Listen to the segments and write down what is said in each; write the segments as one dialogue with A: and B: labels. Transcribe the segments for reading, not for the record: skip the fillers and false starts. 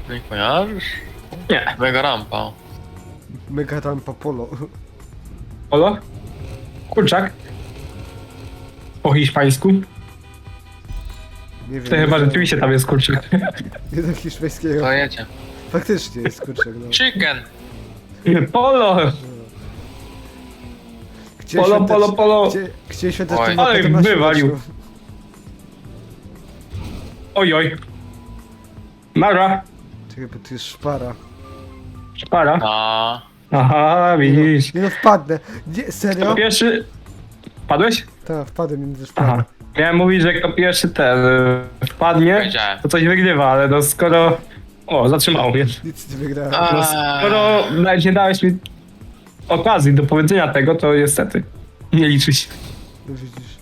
A: Nie kojarzysz?
B: Nie.
A: Mega rampa.
C: Mega rampa polo.
B: Polo? Kurczak? Po hiszpańsku?
C: Nie wiem.
B: To chyba rzeczywiście tam jest kurczak.
C: Nie do hiszpańskiego.
A: To jedzie.
C: Faktycznie jest kurczak, no.
A: Chicken!
B: Polo!
C: Gdzie
B: Polo,
C: świątecz-
B: polo, polo.
C: Gdzie świąteczny
A: Oj.
C: moped
B: Ale
C: ma
B: wywalił.
C: świąteczną?
B: Ojoj. Mara.
C: Czekaj, bo tu jest szpara.
B: Szpara.
A: A,
B: Aha, widzisz.
C: Nie no, wpadnę. Nie, serio?
B: Kto pierwszy... Padłeś?
C: Tak, wpadłem między szparę.
B: Aha. Miałem mówić, że kto pierwszy ten wpadnie,
A: wiedziałem.
B: to coś wygrywa, ale no skoro... O, zatrzymało mnie.
C: Nic nie wygrałem.
A: A.
B: No skoro nawet nie dałeś mi okazji do powiedzenia tego, to niestety nie liczy się.
C: No widzisz.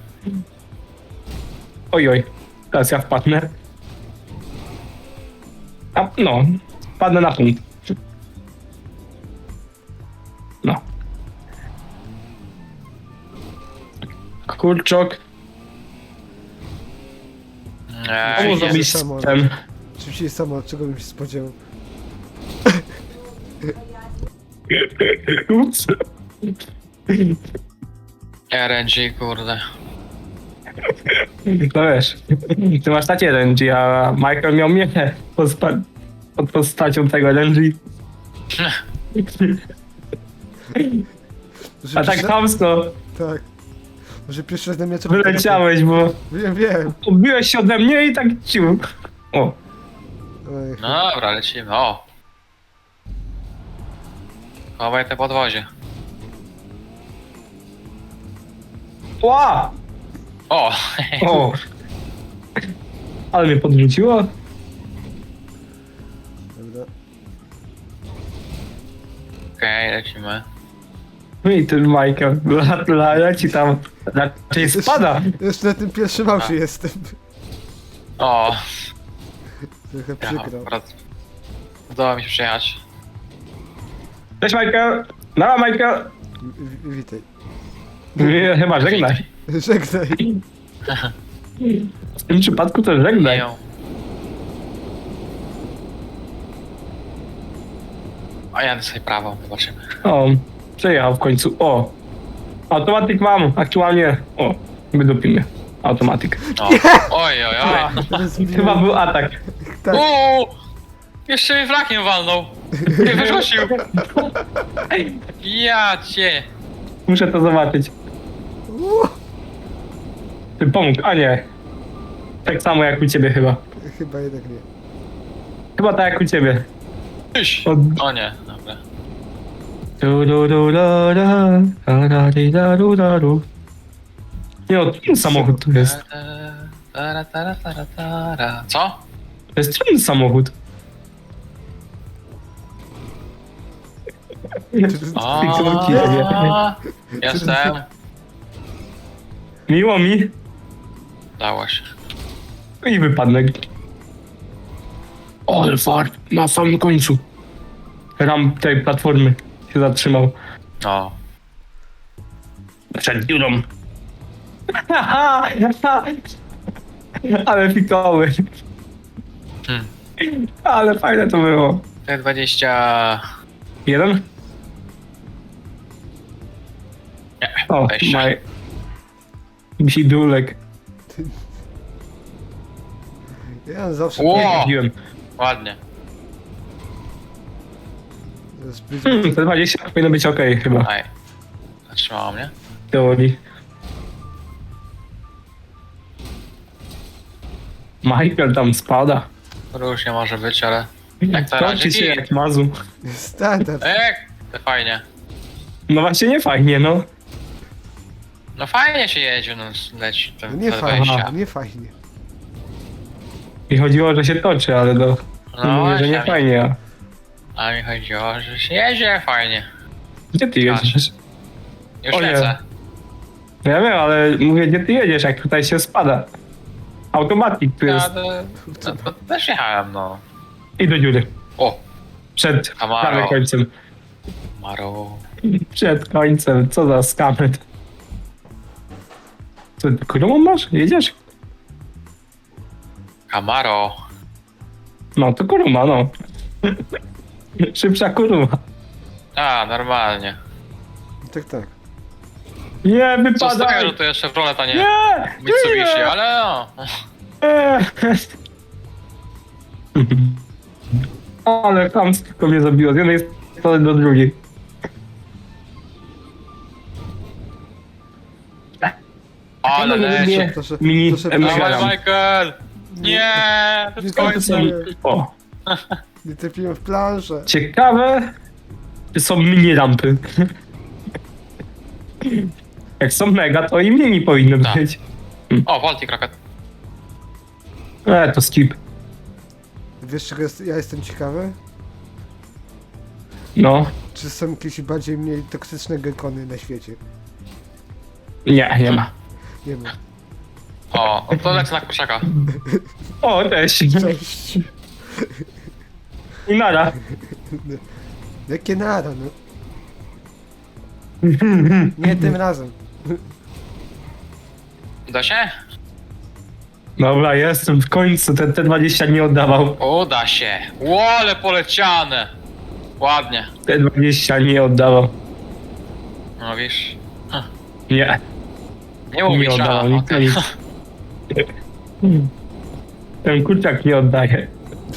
B: Ojoj, teraz ja wpadnę. A, no, wpadnę na punkt. No. Kurczok,
A: Nie,
B: komu
C: nie.
B: zrobić
C: Samo.
B: ten...
C: Oczywiście samo, czego bym się spodziewał.
B: Ups.
A: RNG, kurde.
B: No wiesz, ty masz takie RNG, a Michael miał mnie pod postacią tego RNG.
C: Może
B: A tak
C: pierwszy-
B: chamsko
C: Tak. Może pierwszy raz na mnie
B: wyleciałeś, bo
C: Wiem.
B: odbiłeś się ode mnie i tak ciu. O,
C: Oj,
A: No dobra, lecimy. O! Chowaj te podwozie.
B: ła!
A: O!
B: O! Ale mnie podrzuciło.
C: dobra.
A: Okej, lecimy.
B: No i ten Michael, leci tam, raczej spada.
C: Jeszcze na tym pierwszym aucie jestem.
A: O!
C: Trochę
A: Ja,
C: przykro.
A: akurat udało mi się przejechać.
B: Cześć Michael, no Michael.
C: Witaj.
B: Nie, chyba żegnaj.
C: Żegnaj.
B: W tym przypadku to żegnaj.
A: Nie. A jadę sobie prawą, zobaczymy.
B: O, przejechał w końcu, o. Automatyk mam, aktualnie, o, wydupimy. Automatyk.
A: O. Oj, oj,
B: A,
A: oj.
C: Rozbiłem.
B: chyba był atak.
C: Tak.
A: Uuu! Jeszcze mnie flakiem walnął. Nie wyrzucił. Ja cię.
B: Muszę to zobaczyć. Ty pomógł, a nie. Tak samo jak u ciebie chyba.
C: Chyba jednak nie.
B: Chyba tak jak u ciebie.
A: Tyś.
B: Od...
A: O nie, dobra.
B: Nie no, ten samochód tu jest.
A: Co?
B: To jest ten samochód.
A: O, jestem.
B: Miło mi.
A: Dało się.
B: I wypadnek. Ale fart, na samym końcu. Ram tej platformy się zatrzymał.
A: O.
B: Przed dziurą. Ale fikoły.
A: Hmm.
B: Ale fajne to było.
A: T20.
B: Jeden?
A: Nie,
B: O,
A: 20.
B: maj. Bzidulek.
C: Ja zawsze...
A: Ło!
B: Jeździłem.
A: Ładnie.
C: Zbyt...
B: Te 20 powinno być ok chyba.
A: Aj. Zatrzymało mnie.
B: W teorii. Michael tam spada.
A: Różnie może być, ale... Jak to
B: Kończy się
A: razie
B: jak mazu.
C: Standard.
A: To fajnie.
B: No właśnie nie fajnie, no.
A: No fajnie się jedzie, no leci
C: No
A: ten
C: nie fajnie,
A: T20.
C: nie fajnie.
B: I chodziło, że się toczy, ale no.
A: No
B: Mówię, że nie
A: właśnie,
B: fajnie.
A: a mi chodziło, że się jedzie fajnie.
B: Gdzie ty jedziesz?
A: Już
B: O nie.
A: lecę.
B: No ja wiem, ale mówię, gdzie ty jedziesz, jak tutaj się spada. Automatik tu
A: Ja
B: jest.
A: to też jechałem, no.
B: I do dziury.
A: O,
B: Przed
A: Camaro.
B: prawie końcem.
A: Maro.
B: Przed końcem. Co za skamet. Co, którą masz? Jedziesz?
A: Camaro.
B: No to kuruma, no. Szybsza kuruma.
A: A, normalnie.
C: Tak, tak.
B: Nie,
A: Co z tego,
B: wypadaj!
A: że to jeszcze Chevrolet, a nie
B: Nie!
A: Mitsubishi,
B: Nie!
A: ale no.
B: Ale chamsko mnie zabiło, z jednej strony do drugiej.
A: Ale leci.
C: Proszę,
B: Mini
C: proszę,
B: M7.
A: Dawaj, Michael! Nie! To
C: Nie
A: w końcu.
B: O,
C: Nie trafiłem w planszę.
B: ciekawe, czy są mini rampy. Jak są mega, to i mini powinny
A: Tak.
B: być.
A: O, Baltic Rocket.
B: To skip.
C: Wiesz czego ja jestem ciekawy?
B: No,
C: Czy są jakieś bardziej mniej toksyczne gekony na świecie?
B: nie ma.
C: Nie wiem.
A: O, to lecę na kurczaka.
B: O, też.
C: Cześć.
B: I nara.
C: Jakie nara, no. Nie tym razem.
A: Da się?
B: Dobra, jestem w końcu, ten T20 nie oddawał.
A: Uda się. Łole poleciane. Ładnie.
B: T20 nie oddawał.
A: No wiesz.
B: Nie,
A: Nie
B: nie
A: mówisz, a
B: oddawał, nic,
A: okej.
B: nic. Ten kurczak nie oddaje.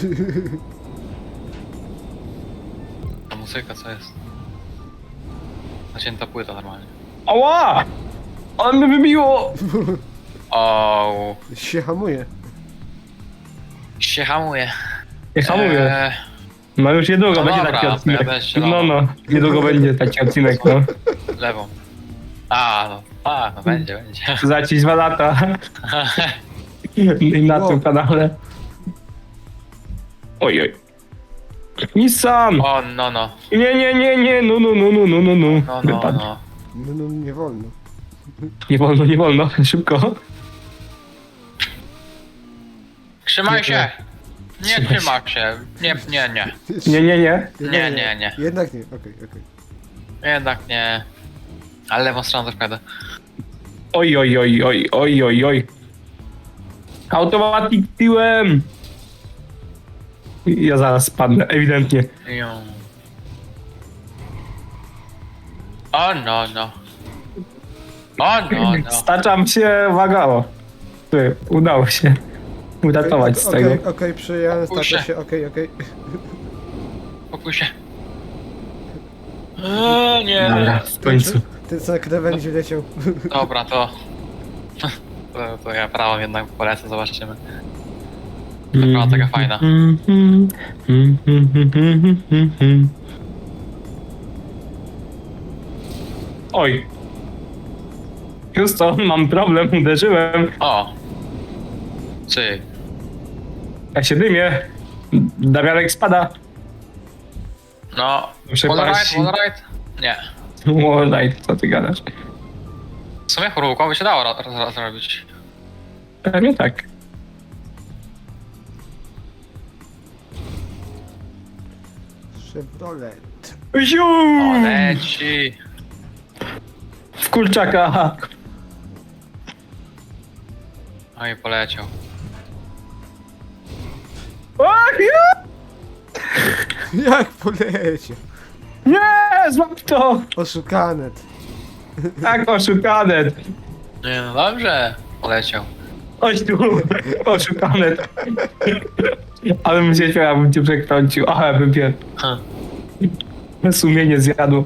A: Ta muzyka co jest? Zacięta płyta normalnie.
B: Ała! On mnie wybiło!
A: O,
C: Się hamuje.
A: się hamuje.
B: Nie hamuję. No już niedługo
A: No
B: będzie
A: dobra,
B: taki odcinek.
A: ja też się
B: No, niedługo będzie taki odcinek, no.
A: Lewą. No będzie.
B: Za ci 2 lata. I na
C: Wow.
B: tym kanale. Ojoj. Nissan!
A: O, no.
B: No. Wypadł.
A: No.
C: No, nie wolno.
B: Nie wolno, szybko.
A: Trzymaj się! Nie
B: Trzymaj się.
A: trzyma się. Nie. Nie.
C: Jednak nie, okej.
A: Jednak nie. Ale lewą stroną też jadę.
B: Oj. Automatic tyłem! Ja zaraz spadnę, ewidentnie.
A: Ją. O, no.
B: Staczam się, uwaga, o. Ty, udało się uratować z tego.
C: Okej, przyjąłem,
A: Puszczę.
C: starczy się, okej.
A: Pokój się. Nie.
B: Dobra, w końcu.
C: Ten co na krawędzi leciał.
A: Dobra, to... To ja prawą jednak polecę, zobaczymy. Taka taka fajna.
B: Oj. Houston, mam problem, uderzyłem.
A: O! Czy?
B: Ja się dymię. Damianek spada.
A: No.
B: Przepaść.
A: Wallride? Nie.
B: Wallride, co ty gadasz?
A: W sumie chorówką by się dało zrobić.
B: Pewnie tak.
C: Chevrolet.
B: Ziu!
A: O, leci!
B: W kurczaka.
A: No i poleciał.
B: Ach, ja!
C: Jak poleciał?
B: Nie, złap to!
C: Oszukane.
B: Tak, oszukane.
A: Nie, no dobrze. Poleciał.
B: Chodź tu, oszukane. Ale bym się śmiał, jakbym cię przekręcił. Aha, bym pier...
A: Ha.
B: Sumienie zjadło.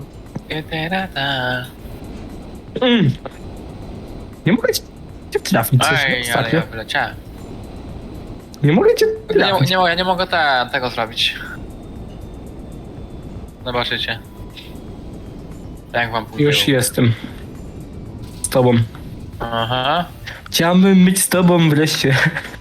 B: Nie mogę cię trafić coś
A: Ej, ale
B: ostatnio.
A: ja wyleciałem.
B: Nie mogę cię trafić.
A: Nie mogę tego zrobić. Zobaczycie. Jak wam pójdzie?
B: Już jestem. Z tobą.
A: Aha.
B: Chciałbym być z tobą wreszcie.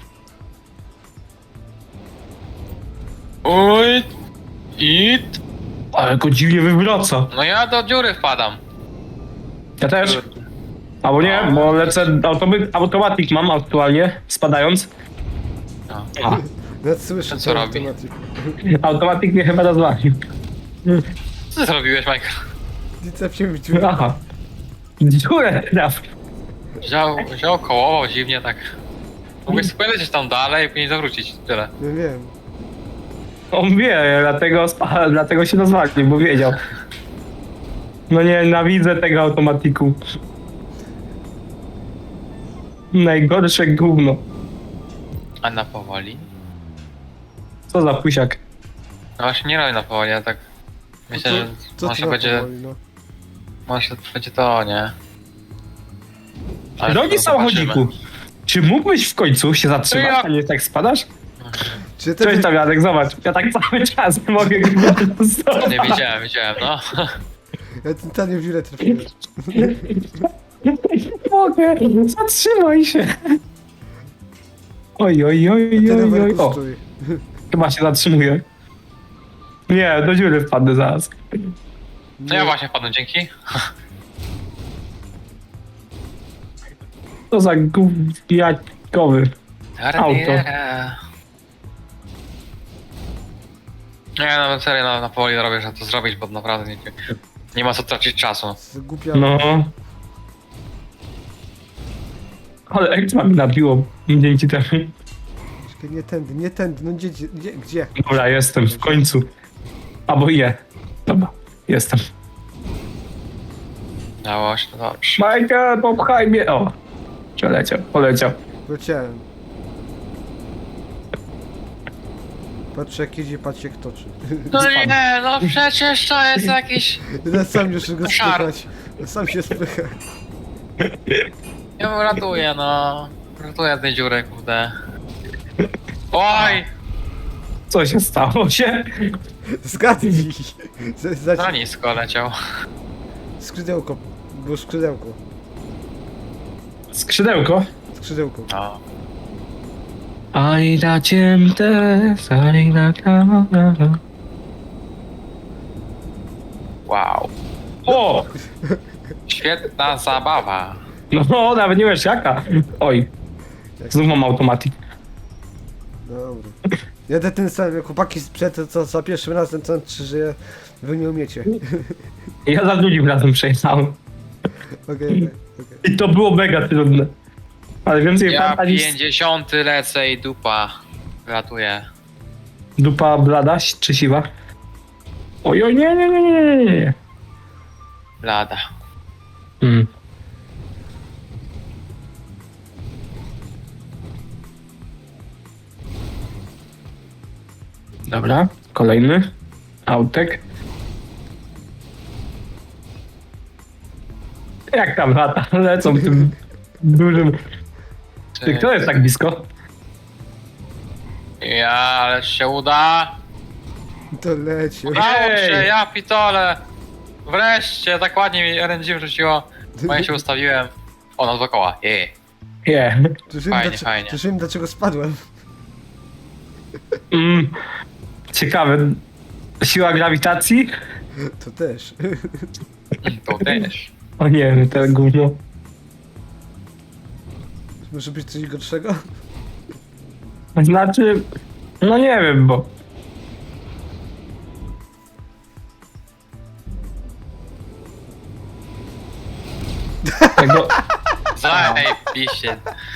A: Oj. It.
B: Ale go dziwnie wywraca.
A: No ja do dziury wpadam.
B: Ja też. Albo nie, bo lecę automatic mam aktualnie, spadając.
A: No.
B: A,
C: Nawet słyszę
A: Co
C: ten
A: robi?
C: automatyk.
B: automatic mnie chyba rozwalił.
A: Co ty zrobiłeś, Michael?
C: Nie trafiłem w dziurę.
B: Aha. Dziurę trafił.
A: Wziął kołował dziwnie tak. Mógłbyś sobie lecieć tam dalej i później zawrócić. Tyle.
C: Nie wiem.
B: On wie, dlatego się rozwalił, bo wiedział. No nie, nienawidzę tego automatiku. Najgorsze gówno.
A: A na powoli?
B: Co za pusiak.
A: No właśnie nie robię na powoli, ja tak... Myślę, że może będzie...
C: powoli, no.
A: Może będzie to, nie? Ale
B: Drogi
A: to zobaczymy.
B: samochodziku, czy mógłbyś w końcu się zatrzymać,
A: Ja-
B: a nie tak spadasz?
C: Czy
B: Cześć tam Jadek, zobacz, ja tak cały czas nie mogę
A: Nie widziałem, no.
C: Ja totalnie w dziurę trafiłem.
B: Nie mogę, zatrzymaj się. Oj, oj, oj,
C: Ty
B: oj, oj,
C: rowerku
B: o,
C: stój.
B: chyba się zatrzymuje. Nie, do dziury wpadnę zaraz.
A: No ja właśnie wpadłem, dzięki.
B: To za gówniakowy. Auto.
A: Nie, no serio, na powoli robię, żeby to zrobić, bo naprawdę nie ma co tracić czasu.
C: Zgupia.
B: No. Ale ekstra mi nabiło dzięki temu.
C: Czekaj, nie tędy, no gdzie?
B: Dobra, jestem w końcu. Albo je. Dobra, jestem.
A: Dało się, to dobrze.
B: Michael, popchaj mnie. O, poleciał.
C: Leciałem. Patrz jak jedzie, patrz jak toczy.
A: No nie, no przecież to jest jakiś...
C: Ja sam już go
A: Szar.
C: spychać. Ja sam się spycha.
A: Ja mu ratuję, no. Ratuję tej dziury, kurde. Oj!
B: Co się stało się?
C: Zgadnij.
A: Za nisko leciał.
C: Skrzydełko. Było skrzydełko.
B: Skrzydełko?
C: Skrzydełko.
A: No.
B: Aj da ciemte, aj da kamera.
A: Wow.
B: O!
A: Świetna zabawa.
B: No, nawet nie wiesz jaka. Oj, znów mam automatik.
C: Dobra. Jadę tym samym, jak chłopaki sprzed, co za pierwszym razem, co że wy nie umiecie.
B: Ja za drugim razem przejechałem.
C: Okej.
B: I to było mega trudne. Ale więcej
A: Ja
B: fanta niż
A: 50 lecę i dupa. Ratuję.
B: dupa blada czy siwa. Oj, oj, nie.
A: Lada.
B: Mm. Dobra, kolejny autek. Jak tam lata lecą tym dużym... Ty, kto jest tak blisko?
A: Ja, ale się uda.
C: To leci.
A: Udało
B: Ej!
A: się, ja pitole. Wreszcie, tak ładnie mi RNG wrzuciło. Bo ja się ustawiłem. O, na dookoła.
B: Nie.
A: Fajnie.
C: Już wiem dlaczego spadłem.
B: Ciekawe. Siła grawitacji?
C: To też.
A: To też.
B: O nie, to gówno.
C: Może być coś gorszego?
B: Znaczy, no nie wiem, bo... Tego...
A: Zajebiście.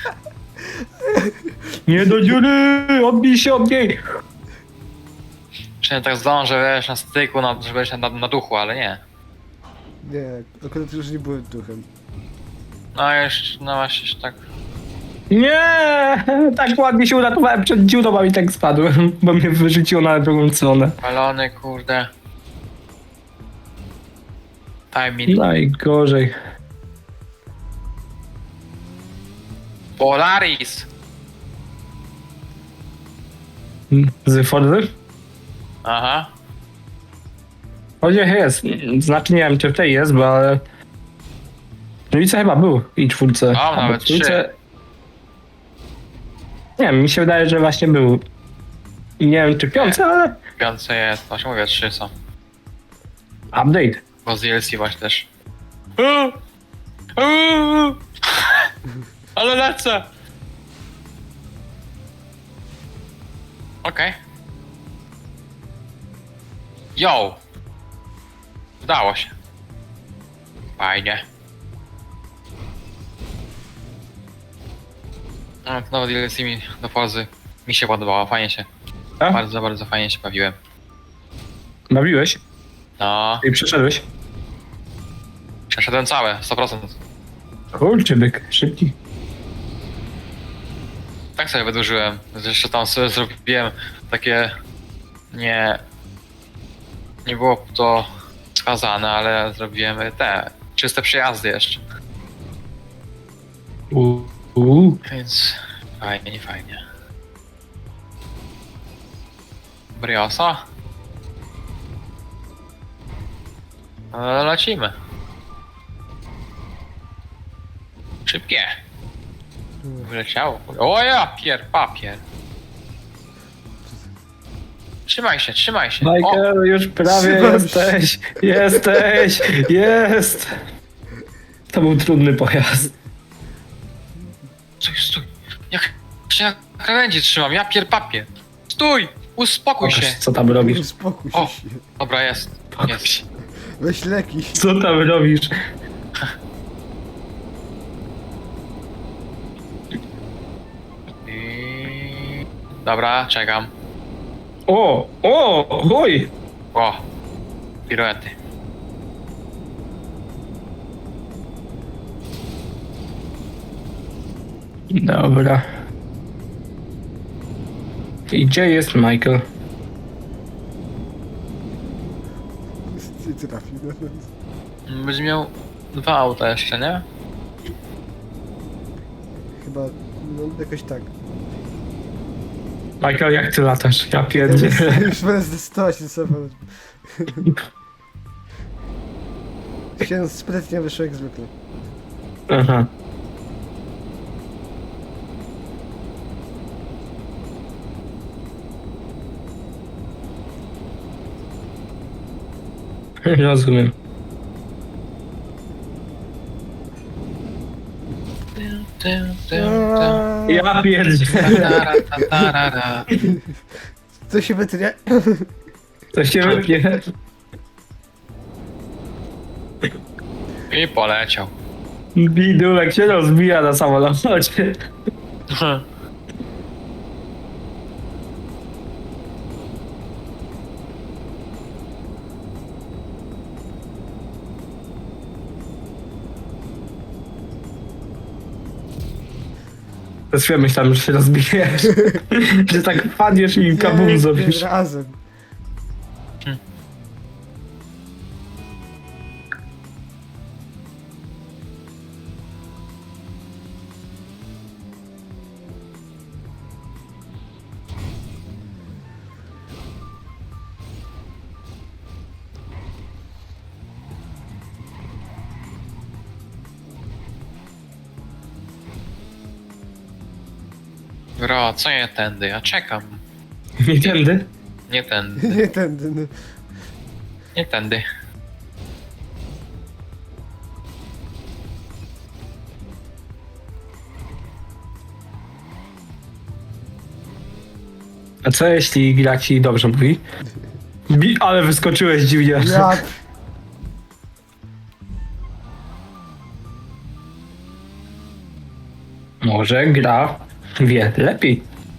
B: Nie do dziury! Odbij się od niej!
A: Przynajmniej tak zdążę, wiesz, na styku, żeby być na duchu, ale nie.
C: Nie, akurat już nie byłem duchem.
A: No już, no właśnie tak.
B: Nie! Tak ładnie się uratowałem przed dziurą, a i tak spadłem, bo mnie wyrzuciło na drugą stronę.
A: Palony, kurde. Timing.
B: Najgorzej.
A: Polaris!
B: Z Forzy?
A: Aha.
B: Chodzie jest. Znaczy nie wiem, czy w tej jest, bo ale... Trójce chyba był i czwórce.
A: O,
B: Albo
A: nawet trzy.
B: Nie wiem, mi się wydaje, że właśnie był. I nie wiem, czy piące, ale...
A: Piące jest, właśnie mówię, 3 są.
B: Update.
A: Bo z DLC właśnie też. Ale lecę! Okej. Yo! Udało się. Fajnie. No, to nowe DLC mi do pozy. Mi się podobało, fajnie się
B: A?
A: Bardzo, bardzo fajnie się bawiłem.
B: Bawiłeś?
A: No,
B: I przeszedłeś?
A: przeszedłem całe, 100%.
B: Kurczę, byk, szybki.
A: Tak sobie wydłużyłem. Jeszcze tam sobie zrobiłem takie... Nie... Nie było to wskazane, ale zrobiłem te... Czyste przejazdy jeszcze. Więc... Fajnie, fajnie. Briosa? No, lecimy. Szybkie. Wyleciało. O ja, papier. Trzymaj się, trzymaj się. O,
B: Michael, już prawie
C: Trzymam się.
B: jesteś, jest. To był trudny pojazd.
A: stój. Jak się na krawędzi trzymam, ja papier. Stój, uspokój się.
B: Pokaż, co tam robisz.
C: Uspokój
A: O.
C: się.
A: Dobra, jest. Jest.
C: Weź leki.
B: Co tam robisz?
A: I... Dobra, czekam.
B: Oj!
A: O, piruety.
B: Dobra. I gdzie jest Michael?
C: Ty trafił.
A: Będzie miał 2 auta jeszcze, nie?
C: Chyba, no jakoś tak.
B: Michael, jak ty latasz? Ja pierdzielę.
C: Już będę zdecydować ten samolot. Się sprytnie wyszło jak zwykle.
B: Aha. Rozumiem. Ja pierdzielę.
C: Co się wytnie?
B: To się wypnie.
A: I poleciał.
B: Bidulek się rozbija na samolocie. Przez chwilę myślałem, że się rozbijesz. Że tak wpadniesz i kabum zrobisz.
C: Razem.
A: Bro, co nie tędy? Ja czekam.
B: Nie tędy?
A: Nie tędy.
C: Nie tędy, no.
A: Nie tędy.
B: A co jeśli gra ci dobrze mówi? Ale wyskoczyłeś dziwnie.
C: Ja...
B: Może gra wie lepiej.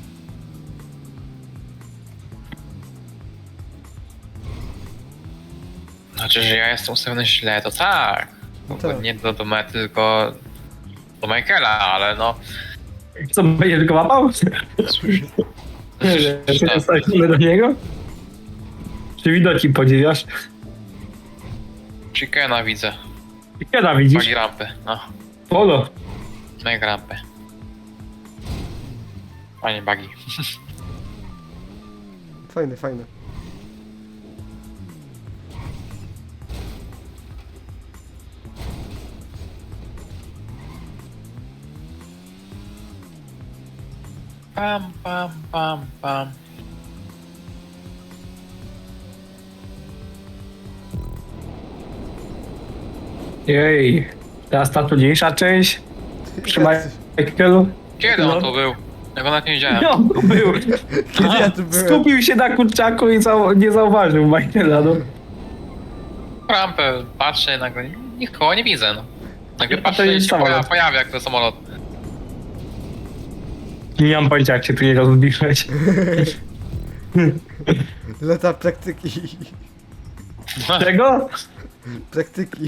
A: Znaczy, że ja jestem ustawiony źle, to tak.
C: Tak.
A: Nie do mety, tylko do Michaela, ale no...
B: Co, będzie tylko łapał? Czy jest stawiony do niego? Czy widoki podziwiasz?
A: Chickena widzę.
B: Kiedy widzisz?
A: Bagi rampy, no.
B: Polo.
A: Mega rampy. Fajnie bagi.
C: Fajne, fajne.
A: Pam.
B: Jej. Teraz ta trudniejsza część. Przy Michaelu.
A: Kiedy
B: No.
A: on tu był? Ja go nawet nie widziałem.
B: No, był.
C: Kiedy ja tu byłem?
B: Skupił się na kurczaku i nie zauważył Michaela, no.
A: Rampę patrzę, nagle nikogo nie widzę, no. Nagle
B: A to
A: patrzę i
B: jest
A: się
B: samolot.
A: pojawia jak to samolot.
B: Nie mam pojęcia, jak się tu nie rozbiłeś.
C: Lata praktyki.
B: Czego?
C: Praktyki.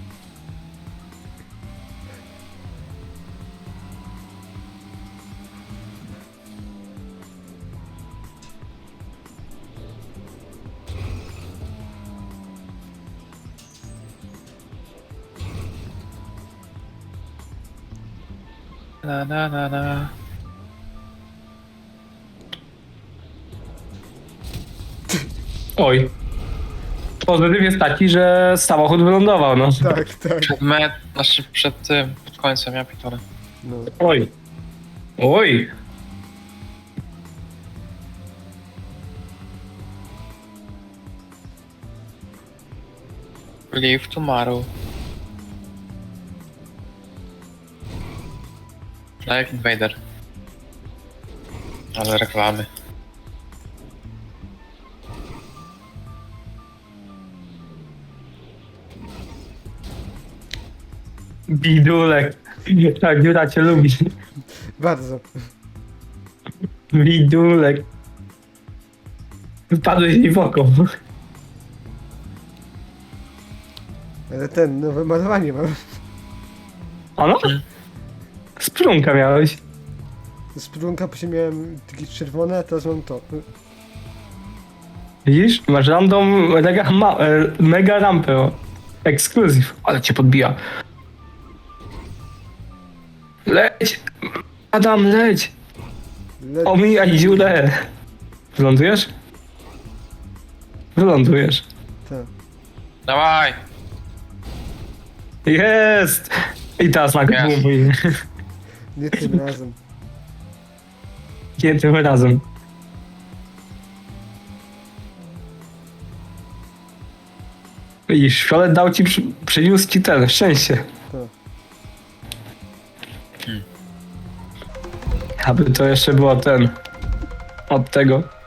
A: Na, na, na, na.
B: Oj. Pozytyw jest taki, że samochód wylądował, no.
C: Tak, tak.
A: Znaczy przed tym, pod końcem, ja pitole.
C: No.
B: Oj. Oj.
A: Live tomorrow. Like Invader. Ale reklamy.
B: Bidulek. Tak, Jura cię lubi.
C: Bardzo.
B: Bidulek. Wpadłeś mi w oko.
C: Ale ten, nowe malowanie mam.
B: Ano? Sprunka miałeś.
C: Z plunka później miałem takie czerwone, a teraz mam to.
B: Widzisz? Masz random mega rampę. O. Ekskluzyw. Ale cię podbija. Leć! Adam, leć!
C: Le...
B: Omijaj dziurę! Wylądujesz? Wylądujesz.
C: Tak.
A: Dawaj!
B: Jest! I teraz nagle
A: Jest.
B: było mój.
C: Nie tym razem.
B: Nie tym razem. I Fiolet dał ci, przyniósł ci ten, szczęście.
C: Tak.
B: Aby to jeszcze było ten, od tego.